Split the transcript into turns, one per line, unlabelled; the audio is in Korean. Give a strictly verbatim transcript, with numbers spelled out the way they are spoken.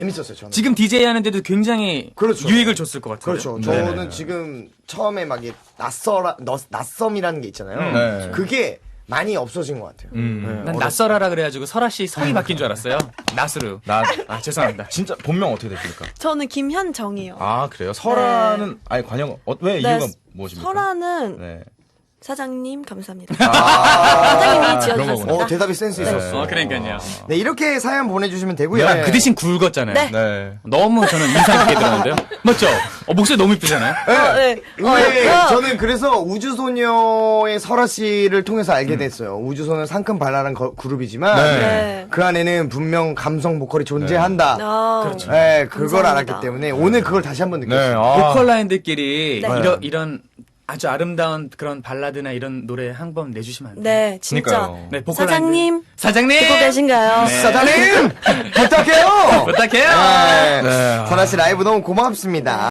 재밌었어요, 저는.
지금 디제이 하는데도 굉장히
그렇죠.
유익을 줬을 것 같아요.
그렇죠.
네네.
저는 지금 처음에 막 이게 낯설아, 너, 낯섦이라는 게 있잖아요.
네.
그게 많이 없어진 것 같아요.
음.
난 낯설어라 그래가지고 설아 씨 성이 바뀐 줄 알았어요. 낯으로.
나
아 죄송합니다.
진짜 본명 어떻게 되십니까?
저는 김현정이요.
아 그래요? 설아는 아니 관영 어, 왜
네,
이유가 무엇입니까?
설아는
네.
사장님 감사합니다.
아,
사장님이
그런
지어주셨습니다.
어, 대답이 센스 있었어.
어 그러니까요.
네, 이렇게 사연 보내주시면 되고요.
야, 그 대신 굵었잖아요.
네.
네.
너무 저는 인상 깊게 들었는데요. 맞죠? 어, 목소리 너무 이쁘잖아요.
어, 네.
왜
어, 어.
저는 그래서 우주소녀의 설아 씨를 통해서 알게 됐어요. 우주소녀 상큼 발랄한 거- 그룹이지만
네.
네.
그 안에는 분명 감성 보컬이 존재한다.
아,
그렇죠.
네, 그걸
감사합니다.
알았기 때문에 오늘 그걸 다시 한번 느꼈어요.
네. 아.
보컬 라인들끼리
네.
이런 이런 아주 아름다운 그런 발라드나 이런 노래 한 번 내주시면 안 돼요?
네, 진짜.
그러니까요.
네, 보컬
사장님,
라인들. 사장님
듣고 계신가요?
네.
사장님 부탁해요.
부탁해요.
네.
네.
설아 씨 라이브 너무 고맙습니다.